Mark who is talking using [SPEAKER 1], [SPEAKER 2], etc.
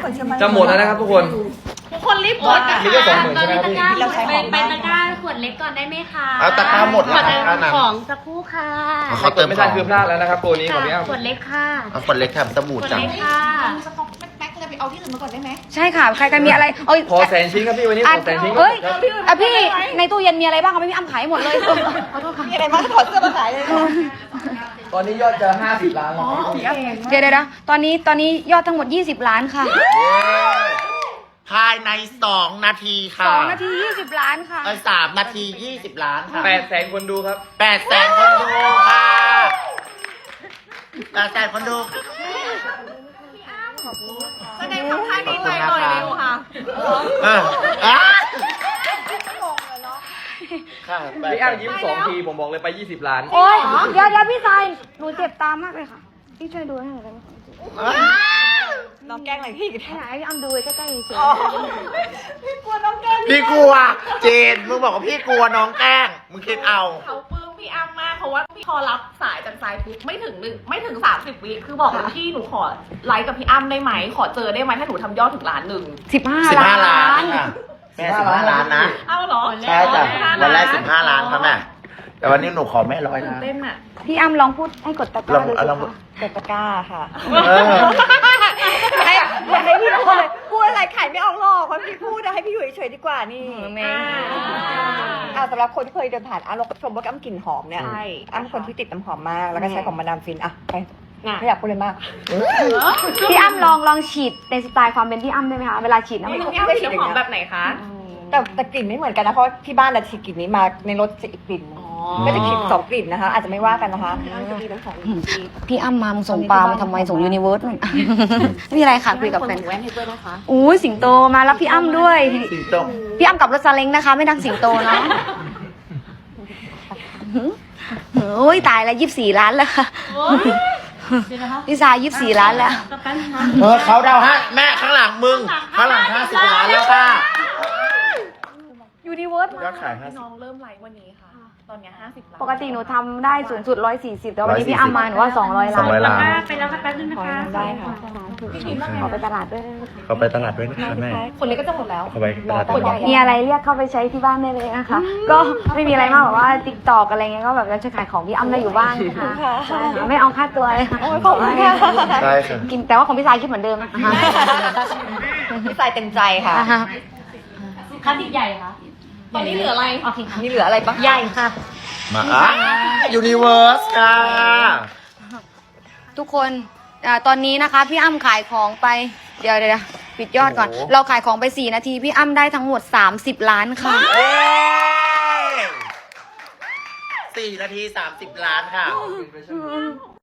[SPEAKER 1] จะหมดแล้วนะครับทุกคน
[SPEAKER 2] ทุกคนรีบกดนะ
[SPEAKER 1] นี่ก็20,000ใช่ไหมพี่
[SPEAKER 3] เราใช้ของไปตะกร้าขวดเล็กก่อนได้ไหมคะ
[SPEAKER 4] เอาตะกร้าหมดแล้ว
[SPEAKER 3] ของสักครู่ค่ะ
[SPEAKER 1] เขาเติมไม่ทันคือพลาดแล้วนะครับตัวนี้ของพี่อ้ำ
[SPEAKER 3] ขวดเล็กค่ะ
[SPEAKER 4] เอาคนเล็กทำสบู่
[SPEAKER 3] ขวด
[SPEAKER 4] จัง
[SPEAKER 3] เล็กค่ะ
[SPEAKER 2] สต็อกแป๊กเลยไปเอาที่อื่นมาก่อนได้ไหม
[SPEAKER 5] ใช่ค่ะใครกันมีอะไรเอ้ย
[SPEAKER 1] ขอ100,000 ชิ้นครับพี่วันนี้ขอ100,000 ชิ้น
[SPEAKER 5] เฮ้ย
[SPEAKER 1] ครับ
[SPEAKER 5] พี่ในตู้เย็นมีอะไรบ้างเอาไปพี่อ้ำขายหมดเลยขอโทษค่ะ
[SPEAKER 2] มีอะไรบ้างถอดเสื้อมาขายเลย
[SPEAKER 1] ตอนนี้ยอดจะ50 ล้านแล้ว
[SPEAKER 5] เดี๋ยวนะตอนนี้ยอดทั้งหมด20 ล้านค่ะ
[SPEAKER 4] ภายใน2 นาทีค่ะ
[SPEAKER 5] 2 นาที20 ล้านค่ะ
[SPEAKER 4] 3 นาที 20 ล้านค่ะ
[SPEAKER 1] 800,000 คนดูครับ
[SPEAKER 4] 800,000 คนดูค่ะ800,000 คนดู
[SPEAKER 2] แสดงทำท่านี้หน่อยหน่อยเร็วค่ะ
[SPEAKER 4] ค่ะ
[SPEAKER 1] พี่อ้ำยิ้ม2 ทีผมบอกเลยไป20 ล้าน
[SPEAKER 5] โอ้ยเดี๋ยวพี่ชายหนูเจ็บตามากเลยค่ะพี่ช่วยดูให้หน่อยได้ไหมคะ
[SPEAKER 2] น้องแกล้งอะไรพี่
[SPEAKER 5] ให้ไหนพี่อ้ำดูใกล้ๆเฉย
[SPEAKER 2] พี่กลัวน้องแกล้ง
[SPEAKER 4] พี่กลัว เจน มึงบอกว่าพี่กลัวน้องแกล้ง มึงคิดเอา
[SPEAKER 2] เขาปลื้มพี่อ้ำมากเพราะว่าพี่พอรับสายจากสายปุ๊บไม่ถึง30 วิคือบอกว่าพี่หนูขอไลฟ์กับพี่อ้ำได้ไหมขอเจอได้ไหมถ้าหนูทำยอดถึง1 ล้าน
[SPEAKER 5] 15 ล้าน
[SPEAKER 4] ค่ะแม่15 ล้านนะ
[SPEAKER 2] เอาเหรอ
[SPEAKER 4] ใช่จ้ะวันแรก15 ล้านครับแม่ แต่วันนี้หนูขอแม่100 ล้าน
[SPEAKER 2] เต้นอ่ะ
[SPEAKER 5] พี่อ้ำลองพูดให้กดตะกร้าดูสิ
[SPEAKER 4] ลอง
[SPEAKER 5] คะ
[SPEAKER 2] กดตะกร้าค่ะ
[SPEAKER 4] เออ
[SPEAKER 2] อยากให้พี่พูดเลยพูดอะไรขายไม่ออกหรอกเพราะพี่พูดอะให้พี่อยู่เฉยๆดีกว่านี่
[SPEAKER 5] แม่
[SPEAKER 2] สำหรับคนที่เคยเดินผ่านเราชมว่าอ้ำกลิ่นหอมเนี่ยอ้ำคนที่ติดน้ำหอมมากแล้วก็ใช้ของมาดามฟินอะไปไม่อยากพูดเลยมาก
[SPEAKER 5] พี่อ้ำลองฉีดในสไตล์ความเป็นพี่อ้ำได้ไหมคะเวลาฉีดน้ำหอม
[SPEAKER 2] พี่อ้ำฉีดน้ำหอมแบบไหนคะแต่กลิ่นไม่เหมือนกันนะเพราะที่บ้านเราฉีดกลิ่นนี้มาในรถจะอีกกลิ่นก็จะฉีด2 กลิ่นนะคะ อาจจะไม่ว่ากันนะคะ
[SPEAKER 5] พี่อ้ำมามึงส่งปลามาทำไมส่งยูนิเวิร์สนู่น ไม่มีอะไรค่ะคุยกับแฟน
[SPEAKER 2] แว่นให้ด้วยนะคะ
[SPEAKER 5] อู้สิงโตมารับพี่อ้ำด้วย
[SPEAKER 4] สิงโต
[SPEAKER 5] พี่อ้ำกับรถซาเล้งนะคะ ไม่ดังสิงโตเนาะโอ้ยตายแล้ว24 ล้านแล้วค่ะพี่สาย24 ล้านแล้ว
[SPEAKER 4] เขาเดาฮะแม่ข้างหลังมึง ข้างหลัง50 ล้านแล้วค่ะ
[SPEAKER 5] ยูนิเวิร์ส
[SPEAKER 4] ยอดขาย
[SPEAKER 2] น้องเริ่มไลฟ์วันนี้ค่ะ ตอนนี้50 ล้าน
[SPEAKER 5] ปกติหนูทำได้สูงสุด140แต่วันนี้พี่อ้ำมาหนูว่า200 ล้าน
[SPEAKER 4] 200 ล้าน
[SPEAKER 3] ไปแล้วค่ะแป๊บนึงนะคะ
[SPEAKER 2] ได้ค่ะ
[SPEAKER 5] ขอไปตลาดด้วย
[SPEAKER 4] เขาไปตลาดด้วยนะคะแม่
[SPEAKER 2] คนเล็กก็จะหมดแล้ว
[SPEAKER 4] เขาไปตลาด
[SPEAKER 2] คนใหญ่
[SPEAKER 5] มีอะไรเรียกเข้าไปใช้ที่บ้านได้เลยนะคะ ก็ไม่มีอะไรมากแบบว่าติ๊กตอกอะไรเงี้ยก็แบบจะขายของพี่อ้ำได้อยู่บ้างค่ะใช่ค่ะไม่เอาค่าตัวเลยค่ะ
[SPEAKER 2] ขอบคุณค่ะ
[SPEAKER 4] ใช่ค่ะ
[SPEAKER 5] กินแต่ว่าของพี่สายคิดเหมือนเดิมนะคะ
[SPEAKER 2] พี่สายเต็มใจค่ะ
[SPEAKER 3] คันติดใหญ่ค่ะ
[SPEAKER 2] ตอนนี้เหลืออะไร
[SPEAKER 3] โอเคค่ะ
[SPEAKER 2] นี่เหลืออะไรบ้าง
[SPEAKER 3] ใหญ่ค่ะ
[SPEAKER 4] มายูนิเวิร์สค่ะ
[SPEAKER 5] ทุกคนตอนนี้นะคะพี่อ้ำขายของไปเดี๋ยวปิดยอดก่อน เราขายของไป4 นาทีพี่อ้ำได้ทั้งหมด30 ล้านค่ะ
[SPEAKER 4] 4 นาที 30 ล้านค่ะ